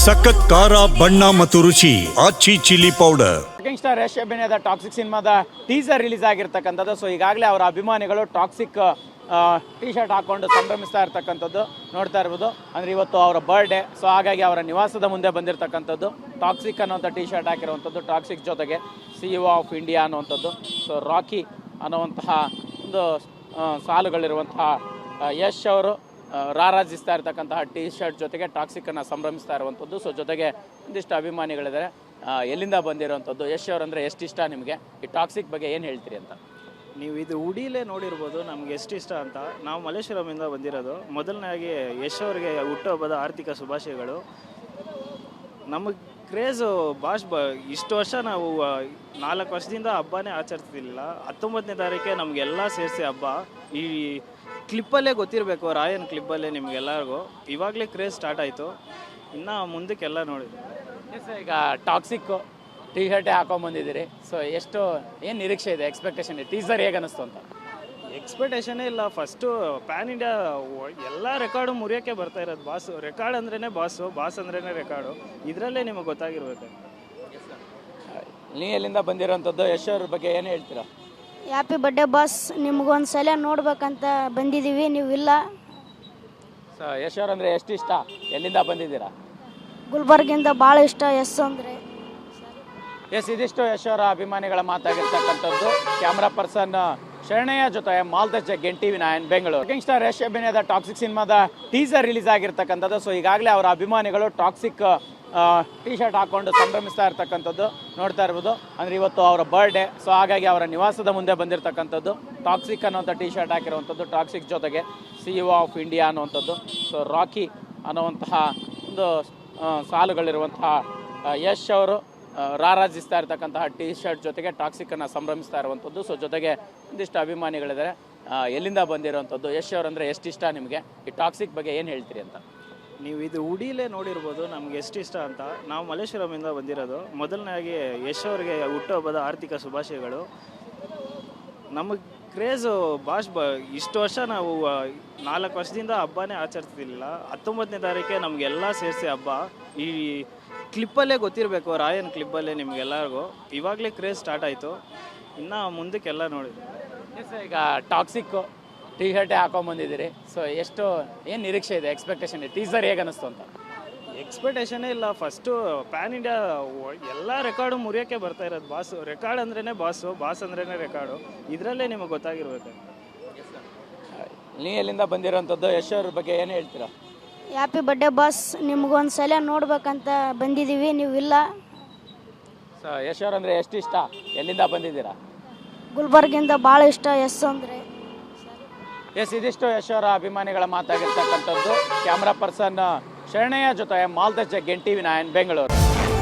ಸಖತ್ ಖಾರ ಬಣ್ಣ ಮತ್ತು ರುಚಿ Aachi chilli powder. Star Yash ಅಭಿನಯದ ಟಾಕ್ಸಿಕ್ ಸಿನಿಮಾದ ಟೀಸರ್ ರಿಲೀಸ್ ಆಗಿರ್ತಕ್ಕಂಥದ್ದು. ಸೊ ಈಗಾಗಲೇ ಅವರ ಅಭಿಮಾನಿಗಳು ಟಾಕ್ಸಿಕ್ ಟಿ ಶರ್ಟ್ ಹಾಕೊಂಡು ಸಂಭ್ರಮಿಸ್ತಾ ಇರ್ತಕ್ಕಂಥದ್ದು ನೋಡ್ತಾ ಇರ್ಬೋದು. ಅಂದರೆ ಇವತ್ತು ಅವರ ಬರ್ಡೇ, ಸೊ ಹಾಗಾಗಿ ಅವರ ನಿವಾಸದ ಮುಂದೆ ಬಂದಿರತಕ್ಕಂಥದ್ದು ಟಾಕ್ಸಿಕ್ ಅನ್ನೋಂಥ ಟಿ ಶರ್ಟ್ ಹಾಕಿರುವಂಥದ್ದು. ಟಾಕ್ಸಿಕ್ ಜೊತೆಗೆ CEO ಆಫ್ ಇಂಡಿಯಾ ಅನ್ನುವಂಥದ್ದು, ಸೊ ರಾಕಿ ಅನ್ನುವಂತಹ ಒಂದು ಸಾಲುಗಳಿರುವಂತಹ ಯಶ್ ಅವರು ರಾರಾಜಿಸ್ತಾ ಇರ್ತಕ್ಕಂತಹ ಟಿ ಶರ್ಟ್ ಜೊತೆಗೆ ಟಾಕ್ಸಿಕ್ಕನ್ನು ಸಂಭ್ರಮಿಸ್ತಾ ಇರುವಂಥದ್ದು. ಸೊ ಜೊತೆಗೆ ಒಂದಿಷ್ಟು ಅಭಿಮಾನಿಗಳಿದ್ದಾರೆ. ಎಲ್ಲಿಂದ ಬಂದಿರುವಂಥದ್ದು? ಯಶ್ ಅವರಂದರೆ ಎಷ್ಟು ಇಷ್ಟ ನಿಮಗೆ? ಈ ಟಾಕ್ಸಿಕ್ ಬಗ್ಗೆ ಏನು ಹೇಳ್ತೀರಿ ಅಂತ? ನೀವು ಇದು ಉಡಿಲೇ ನೋಡಿರ್ಬೋದು ನಮ್ಗೆ ಎಷ್ಟು ಇಷ್ಟ ಅಂತ. ನಾವು ಮಲ್ಲೇಶ್ವರಮಿಂದ ಬಂದಿರೋದು. ಮೊದಲನೇದಾಗಿ ಯಶ್ ಅವರಿಗೆ ಹುಟ್ಟುಹಬ್ಬದ ಆರ್ಥಿಕ ಶುಭಾಶಯಗಳು. ನಮಗೆ ಕ್ರೇಜು ಇಷ್ಟು ವರ್ಷ ನಾವು 4 ವರ್ಷದಿಂದ ಹಬ್ಬನೇ ಆಚರಿಸ್ತಿರ್ಲಿಲ್ಲ. 19ನೇ ತಾರೀಕೆ ನಮಗೆಲ್ಲ ಸೇರಿಸಿ ಹಬ್ಬ. ಈ ಕ್ಲಿಪ್ಪಲ್ಲೇ ಗೊತ್ತಿರಬೇಕು, ರಾಯನ್ ಕ್ಲಿಪ್ಪಲ್ಲೇ ನಿಮಗೆಲ್ಲರಿಗೂ ಇವಾಗಲೇ ಕ್ರೇಜ್ ಸ್ಟಾರ್ಟ್ ಆಯಿತು. ಇನ್ನು ಮುಂದಕ್ಕೆಲ್ಲ ನೋಡಿ. ಈಗ ಟಾಕ್ಸಿಕ್ಕು ಟಿ ಶರ್ಟೇ ಹಾಕೊಂಬಂದಿದ್ದೀರಿ. ಸೊ ಏನು ನಿರೀಕ್ಷೆ ಇದೆ, ಎಕ್ಸ್ಪೆಕ್ಟೇಷನ್ ಇದೆ? ಟೀಸರ್ ಹೇಗೆ ಅನ್ನಿಸ್ತು ಅಂತ? ಎಕ್ಸ್ಪೆಕ್ಟೇಷನೇ ಇಲ್ಲ. ಫಸ್ಟು ಪ್ಯಾನ್ ಇಂಡಿಯಾ ಎಲ್ಲ ರೆಕಾರ್ಡು ಮುರಿಯೋಕ್ಕೆ ಬರ್ತಾ ಇರೋದು. ರೆಕಾರ್ಡ್ ಅಂದ್ರೇ ಬಾಸ್ ಅಂದ್ರೇ ರೆಕಾರ್ಡು. ಇದರಲ್ಲೇ ನಿಮಗೆ ಗೊತ್ತಾಗಿರ್ಬೇಕು. ನೀ ಎಲ್ಲಿಂದ ಬಂದಿರೋಂಥದ್ದು? ಯಶ್ ಅವ್ರ ಬಗ್ಗೆ ಏನು ಹೇಳ್ತೀರಾ? ಹ್ಯಾಪಿ ಬರ್ಡೇ ಬಾಸ್, ನಿಮ್ಗೊಂದು ಸಲ ನೋಡ್ಬೇಕಂತ ಬಂದಿದ್ದೀವಿ, ನೀವು ಇಲ್ಲ. ಸೊ ಯಶ್ ಅವ್ರಂದರೆ ಎಷ್ಟು ಇಷ್ಟ? ಎಲ್ಲಿಂದ ಬಂದಿದ್ದೀರಾ? ಗುಲ್ಬರ್ಗಿಂದ ಭಾಳ ಇಷ್ಟ ಯಶ್ ಅಂದರೆ. ಇದಿಷ್ಟು ಯಶ್ ಅವರ ಅಭಿಮಾನಿಗಳ ಮಾತಾಗಿರ್ತಕ್ಕಂಥದ್ದು. ಕ್ಯಾಮ್ರಾ ಪರ್ಸನ್ ಶರಣಯ್ಯ ಜೊತೆ ಮಾಲ್ತೇಶ್ ಜಗ್ಗೇನ್, TV9 ಬೆಂಗಳೂರು. ಸ್ಟಾರ್ ಯಶ್ ಅಭಿನಯದ ಟಾಕ್ಸಿಕ್ ಸಿನಿಮಾದ ಟೀಸರ್ ರಿಲೀಸ್ ಆಗಿರ್ತಕ್ಕಂಥದ್ದು. ಸೊ ಈಗಾಗಲೇ ಅವರ ಅಭಿಮಾನಿಗಳು ಟಾಕ್ಸಿಕ್ ಟಿ ಶರ್ಟ್ ಹಾಕೊಂಡು ಸಂಭ್ರಮಿಸ್ತಾ ಇರ್ತಕ್ಕಂಥದ್ದು ನೋಡ್ತಾ ಇರ್ಬೋದು. ಅಂದರೆ ಇವತ್ತು ಅವರ ಬರ್ಡೇ, ಸೊ ಹಾಗಾಗಿ ಅವರ ನಿವಾಸದ ಮುಂದೆ ಬಂದಿರತಕ್ಕಂಥದ್ದು. ಟಾಕ್ಸಿಕ್ ಅನ್ನೋಂಥ ಟಿ ಶರ್ಟ್ ಹಾಕಿರುವಂಥದ್ದು. ಟಾಕ್ಸಿಕ್ ಜೊತೆಗೆ CEO ಆಫ್ ಇಂಡಿಯಾ ಅನ್ನುವಂಥದ್ದು, ಸೊ ರಾಕಿ ಅನ್ನುವಂತಹ ಒಂದು ಸಾಲುಗಳಿರುವಂತಹ ಯಶ್ ಅವರು ರಾರಾಜಿಸ್ತಾ ಇರ್ತಕ್ಕಂತಹ ಟಿ ಶರ್ಟ್ ಜೊತೆಗೆ ಟಾಕ್ಸಿಕ್ಕನ್ನು ಸಂಭ್ರಮಿಸ್ತಾ ಇರುವಂಥದ್ದು. ಸೊ ಜೊತೆಗೆ ಒಂದಿಷ್ಟು ಅಭಿಮಾನಿಗಳಿದ್ದಾರೆ. ಎಲ್ಲಿಂದ ಬಂದಿರುವಂಥದ್ದು? ಯಶ್ ಅವರಂದರೆ ಎಷ್ಟು ಇಷ್ಟ ನಿಮಗೆ? ಈ ಟಾಕ್ಸಿಕ್ ಬಗ್ಗೆ ಏನು ಹೇಳ್ತೀರಿ ಅಂತ? ನೀವು ಇದು ಉಡಿಲೇ ನೋಡಿರ್ಬೋದು ನಮ್ಗೆ ಎಷ್ಟು ಇಷ್ಟ ಅಂತ. ನಾವು ಮಲ್ಲೇಶ್ವರಮಿಂದ ಬಂದಿರೋದು. ಮೊದಲನೇದಾಗಿ ಯಶ್ ಅವರಿಗೆ ಹುಟ್ಟುಹಬ್ಬದ ಆರ್ಥಿಕ ಶುಭಾಶಯಗಳು. ನಮಗೆ ಕ್ರೇಜು ಇಷ್ಟು ವರ್ಷ ನಾವು 4 ವರ್ಷದಿಂದ ಹಬ್ಬನೇ ಆಚರಿಸ್ತಿರ್ಲಿಲ್ಲ. 19ನೇ ತಾರೀಕೆ ನಮಗೆಲ್ಲ ಸೇರಿಸಿ ಹಬ್ಬ. ಈ ಕ್ಲಿಪ್ಪಲ್ಲೇ ಗೊತ್ತಿರಬೇಕು, ರಾಯನ್ ಕ್ಲಿಪ್ಪಲ್ಲೇ ನಿಮಗೆಲ್ಲರಿಗೂ ಇವಾಗಲೇ ಕ್ರೇಜ್ ಸ್ಟಾರ್ಟ್ ಆಯಿತು. ಇನ್ನು ಮುಂದಕ್ಕೆಲ್ಲ ನೋಡಿ. ಈಗ ಟಾಕ್ಸಿಕ್ಕು ಟಿ ಶರ್ಟೇ ಹಾಕೊಂಬಂದಿದ್ದೀರಿ. ಸೊ ಏನು ನಿರೀಕ್ಷೆ ಇದೆ, ಎಕ್ಸ್ಪೆಕ್ಟೇಷನ್ ಇದೆ? ಟೀಸರ್ ಹೇಗೆ ಅನ್ನಿಸ್ತು ಅಂತ? ಎಕ್ಸ್ಪೆಕ್ಟೇಷನೇ ಇಲ್ಲ. ಫಸ್ಟು ಪ್ಯಾನ್ ಇಂಡಿಯಾ ಎಲ್ಲ ರೆಕಾರ್ಡು ಮುರಿಯೋಕ್ಕೆ ಬರ್ತಾ ಇರೋದು. ರೆಕಾರ್ಡ್ ಅಂದ್ರೇ ಬಾಸ್ ಅಂದ್ರೇ ರೆಕಾರ್ಡು. ಇದರಲ್ಲೇ ನಿಮಗೆ ಗೊತ್ತಾಗಿರ್ಬೇಕು. ನೀ ಎಲ್ಲಿಂದ ಬಂದಿರೋಂಥದ್ದು? ಯಶ್ ಅವ್ರ ಬಗ್ಗೆ ಏನು ಹೇಳ್ತೀರಾ? ಹ್ಯಾಪಿ ಬರ್ಡೇ ಬಾಸ್, ನಿಮ್ಗೊಂದು ಸಲ ನೋಡ್ಬೇಕಂತ ಬಂದಿದ್ದೀವಿ, ನೀವು ಇಲ್ಲ. ಸೊ ಯಶ್ ಅವರಂದರೆ ಎಷ್ಟು ಇಷ್ಟ? ಎಲ್ಲಿಂದ ಬಂದಿದ್ದೀರಾ? ಗುಲ್ಬರ್ಗಿಂದ ಭಾಳ ಇಷ್ಟ ಯಶ್ ಅಂದರೆ. ಇದಿಷ್ಟು ಯಶ್ ಅವರ ಅಭಿಮಾನಿಗಳ ಮಾತಾಗಿರ್ತಕ್ಕಂಥದ್ದು. ಕ್ಯಾಮ್ರಾ ಪರ್ಸನ್ ಶರಣಯ್ಯ ಜೊತೆ ಮಾಲ್ತೇಶ್ ಜಗ್ಗೇನ್, TV9 ಬೆಂಗಳೂರು.